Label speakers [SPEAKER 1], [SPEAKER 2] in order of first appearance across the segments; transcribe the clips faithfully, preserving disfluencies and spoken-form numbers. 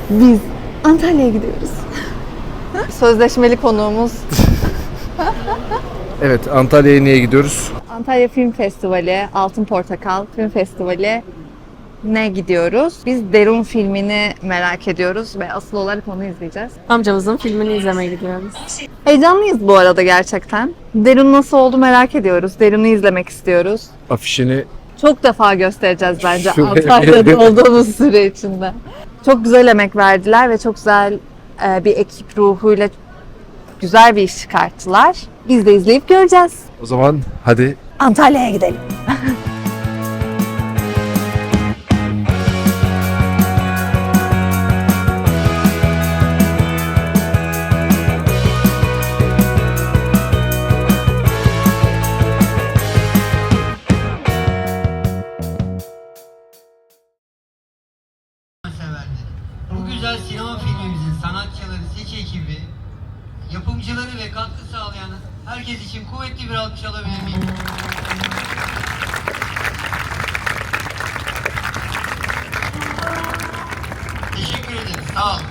[SPEAKER 1] Biz Antalya'ya gidiyoruz. Sözleşmeli konuğumuz.
[SPEAKER 2] Evet, Antalya'ya niye gidiyoruz?
[SPEAKER 1] Antalya Film Festivali, Altın Portakal Film Festivali ne gidiyoruz? Biz Derun filmini merak ediyoruz ve asıl olarak onu izleyeceğiz.
[SPEAKER 3] Amcamızın filmini izlemeye gidiyoruz.
[SPEAKER 1] Heyecanlıyız bu arada gerçekten. Derun nasıl oldu merak ediyoruz. Derun'u izlemek istiyoruz.
[SPEAKER 2] Afişini
[SPEAKER 1] Çok defa göstereceğiz bence
[SPEAKER 2] Şuraya
[SPEAKER 1] Antalya'da
[SPEAKER 2] bir-
[SPEAKER 1] olduğumuz süre içinde. Çok güzel emek verdiler ve çok güzel e, bir ekip ruhuyla güzel bir iş çıkarttılar. Biz de izleyip göreceğiz.
[SPEAKER 2] o zaman hadi.
[SPEAKER 1] Antalya'ya gidelim.
[SPEAKER 4] severleri. Bu güzel sinema filmimizin sanatçıları, seç ekibi, yapımcıları ve katkı sağlayan herkes için kuvvetli bir alkış alabilir miyim? Teşekkür ederim. Sağ olun.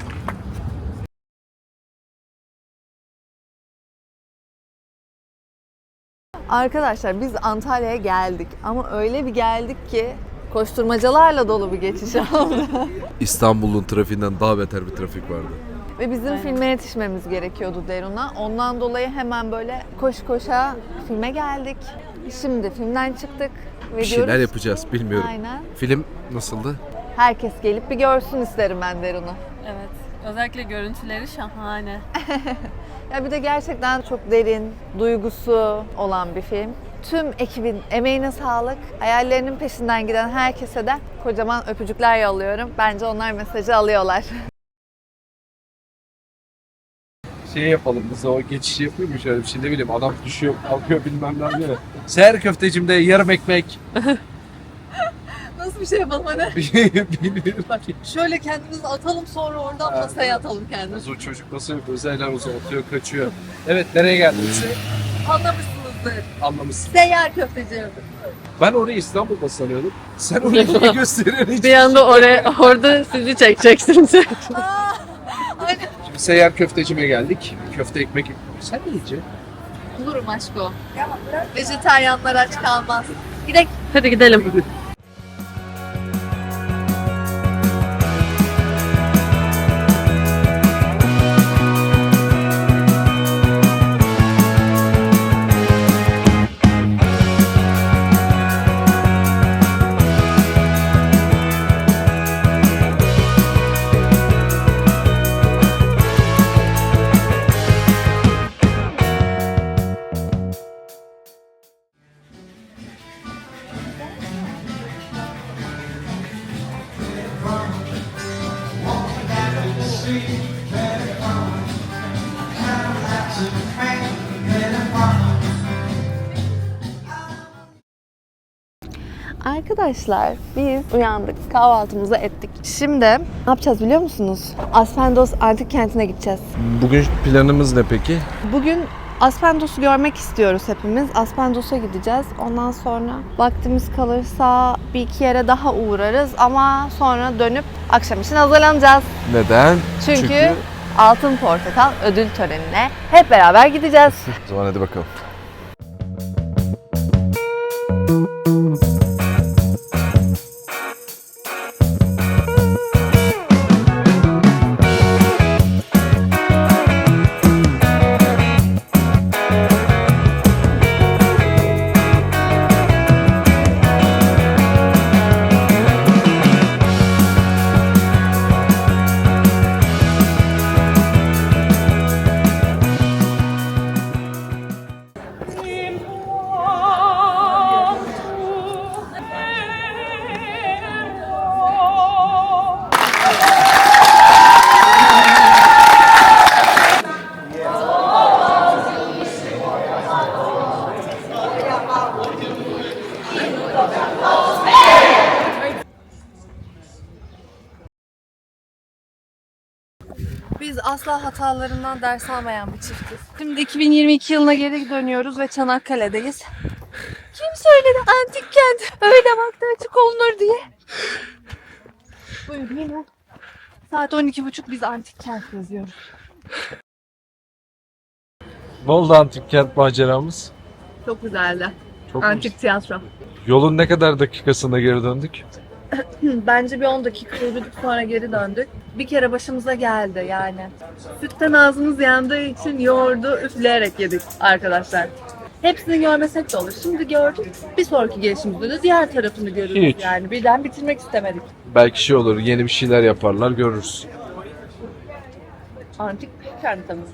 [SPEAKER 1] Arkadaşlar biz Antalya'ya geldik ama öyle bir geldik ki koşturmacalarla dolu bir geçiş oldu.
[SPEAKER 2] İstanbul'un trafiğinden daha beter bir trafik vardı.
[SPEAKER 1] Ve bizim
[SPEAKER 3] Aynen.
[SPEAKER 1] filme yetişmemiz gerekiyordu Derun'a. Ondan dolayı hemen böyle koş koşa filme geldik. Şimdi filmden çıktık ve
[SPEAKER 2] Bir şeyler
[SPEAKER 1] diyoruz
[SPEAKER 2] yapacağız,
[SPEAKER 1] ki-
[SPEAKER 2] bilmiyorum.
[SPEAKER 1] Aynen.
[SPEAKER 2] Film nasıldı?
[SPEAKER 1] Herkes gelip bir görsün isterim ben Derun'u.
[SPEAKER 3] Evet. Özellikle görüntüleri şahane.
[SPEAKER 1] Ya bir de gerçekten çok derin, duygusu olan bir film. Tüm ekibin emeğine sağlık. Hayallerinin peşinden giden herkese de kocaman öpücükler yolluyorum. Bence onlar mesajı alıyorlar.
[SPEAKER 2] Şey yapalım, biz o geçişi yapıyor mu şöyle bir şey, ne bileyim, adam düşüyor, kalkıyor bilmem ne diyor. Seher köftecimde yarım ekmek.
[SPEAKER 1] Nasıl bir şey yapalım hani?
[SPEAKER 2] Bilmiyorum ki.
[SPEAKER 1] Şöyle kendimizi atalım sonra oradan masaya atalım kendimizi.
[SPEAKER 2] O çocuk nasıl yapıyor? Özeller uzatıyor, kaçıyor. Evet, nereye geldiniz?
[SPEAKER 1] Anlamışsınızdır.
[SPEAKER 2] Anlamışsın.
[SPEAKER 1] Seyyar köfteci.
[SPEAKER 2] Ben orayı İstanbul'da sanıyordum. Sen orayı niye gösteriyorsun hiç?
[SPEAKER 3] Bir anda oraya, orada sizi çekeceksin.
[SPEAKER 2] Şimdi seyyar köftecime geldik. Köfte ekmek. Sen ne yiyeceksin?
[SPEAKER 1] Bulurum aşko. Vejetaryenler aç kalmaz. Gidelim.
[SPEAKER 3] Hadi gidelim.
[SPEAKER 1] Arkadaşlar biz uyandık, kahvaltımızı ettik. Şimdi ne yapacağız biliyor musunuz? Aspendos Antik Kenti'ne gideceğiz.
[SPEAKER 2] Bugün planımız ne peki?
[SPEAKER 1] Bugün Aspendos'u görmek istiyoruz hepimiz. Aspendos'a gideceğiz. Ondan sonra vaktimiz kalırsa bir iki yere daha uğrarız ama sonra dönüp akşam için hazırlanacağız.
[SPEAKER 2] Neden?
[SPEAKER 1] Çünkü, Altın Portakal ödül törenine hep beraber gideceğiz.
[SPEAKER 2] O zaman hadi bakalım.
[SPEAKER 1] Biz asla hatalarından ders almayan bir çiftiz. Şimdi iki bin yirmi iki yılına geri dönüyoruz ve Çanakkale'deyiz. Kim söyledi antik kent öyle vakti açık olunur diye? Buyurun yine. Saat on iki buçuk biz antik kent yazıyoruz.
[SPEAKER 2] Ne oldu antik kent maceramız?
[SPEAKER 1] Çok güzeldi.
[SPEAKER 2] Çok
[SPEAKER 1] Antik tiyatro.
[SPEAKER 2] Yolun ne kadar dakikasında geri döndük?
[SPEAKER 1] Bence bir on dakika yürüdük sonra geri döndük. Bir kere başımıza geldi yani. Sütten ağzımız yandığı için yoğurdu üfleyerek yedik arkadaşlar. Hepsini görmesek de olur. Şimdi gördük. Bir sonraki gelişimizde de diğer tarafını görürüz
[SPEAKER 2] Hiç.
[SPEAKER 1] yani. Birden bitirmek istemedik.
[SPEAKER 2] Belki şey olur, yeni bir şeyler yaparlar, görürüz.
[SPEAKER 1] Antik kentimiz.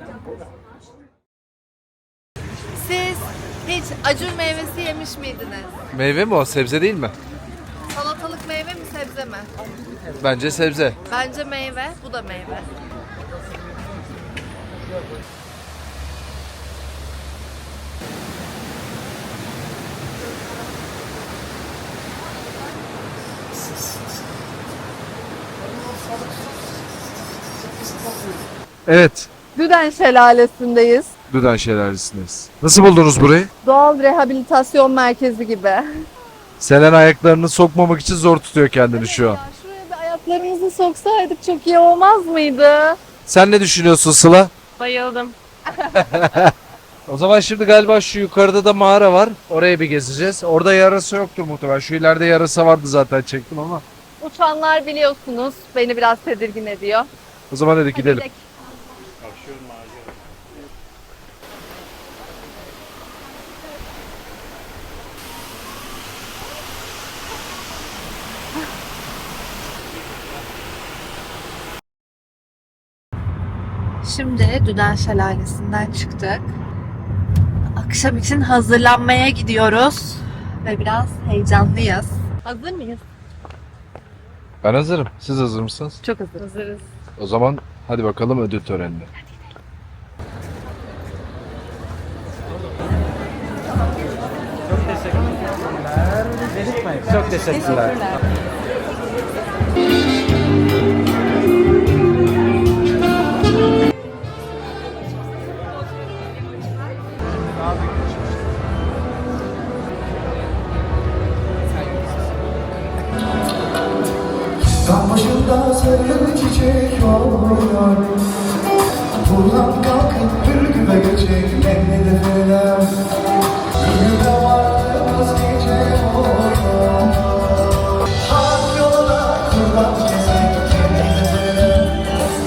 [SPEAKER 1] Siz hiç acur meyvesi yemiş miydiniz?
[SPEAKER 2] Meyve mi o? Sebze değil mi?
[SPEAKER 1] Salatalık meyve mi sebze mi?
[SPEAKER 2] Bence sebze.
[SPEAKER 1] Bence meyve, bu da meyve.
[SPEAKER 2] Evet,
[SPEAKER 1] Düden Şelalesi'ndeyiz.
[SPEAKER 2] Düden Şelalesi'ndeyiz. Nasıl buldunuz burayı?
[SPEAKER 1] Doğal rehabilitasyon merkezi gibi.
[SPEAKER 2] Selen ayaklarını sokmamak için zor tutuyor kendini şu an.
[SPEAKER 1] Ya şuraya bir ayaklarımızı soksaydık çok iyi olmaz mıydı?
[SPEAKER 2] Sen ne düşünüyorsun Sıla?
[SPEAKER 3] Bayıldım.
[SPEAKER 2] O zaman şimdi galiba şu yukarıda da mağara var. Oraya bir gezeceğiz. Orada yarasa yoktur muhtemelen. Şu ileride yarasa vardı zaten çektim ama.
[SPEAKER 1] Uçanlar biliyorsunuz beni biraz tedirgin ediyor.
[SPEAKER 2] O zaman hadi gidelim.
[SPEAKER 1] Gidelim. Şimdi Düden Şelalesi'nden çıktık. Akşam için hazırlanmaya gidiyoruz. Ve biraz heyecanlıyız. Hazır mıyız?
[SPEAKER 2] Ben hazırım. Siz hazır mısınız?
[SPEAKER 1] Çok hazır.
[SPEAKER 3] Hazırız.
[SPEAKER 2] O zaman hadi bakalım ödül törenine.
[SPEAKER 5] Çok teşekkürler.
[SPEAKER 6] Dağ başında sarı çiçek oluyor. Buradan kalkıp Ürgüp'e geçecek emni defelem. Ürgüp'e varmaz gece oluyor. Harp yoluna kurban kesek emni defelem.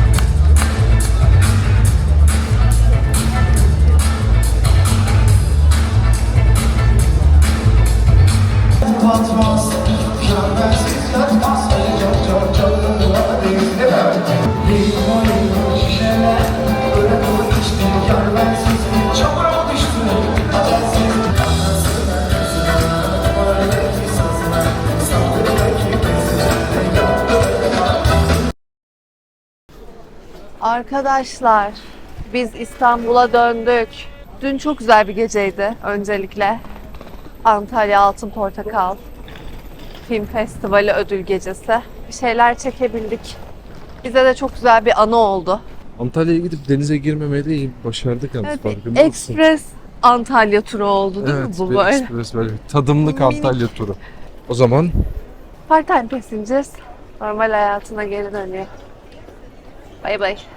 [SPEAKER 6] Batmaz, görmezsiz yatmaz. Çok çok çok var limon limon şişeler. Öyle dolu içtim, görmezsiz bir çamura düştüm. Habersiz anasına kızına, oradaki sazına, sandığındaki bezine, yaptığına.
[SPEAKER 1] Arkadaşlar, biz İstanbul'a döndük. Dün çok güzel bir geceydi öncelikle. Antalya Altın Portakal Film Festivali ödül gecesi. Bir şeyler çekebildik. Bize de çok güzel bir anı oldu.
[SPEAKER 2] Antalya'ya gidip denize girmemeyi de iyi başardık yalnız,
[SPEAKER 1] Evet,
[SPEAKER 2] farkında mısın?
[SPEAKER 1] Ekspres Antalya turu oldu değil
[SPEAKER 2] Evet,
[SPEAKER 1] mi bu
[SPEAKER 2] bir
[SPEAKER 1] böyle?
[SPEAKER 2] ekspres böyle tadımlık
[SPEAKER 1] Minik.
[SPEAKER 2] Antalya turu. O zaman
[SPEAKER 1] Part-time passengers normal hayatına geri dönüyor. Bay bay.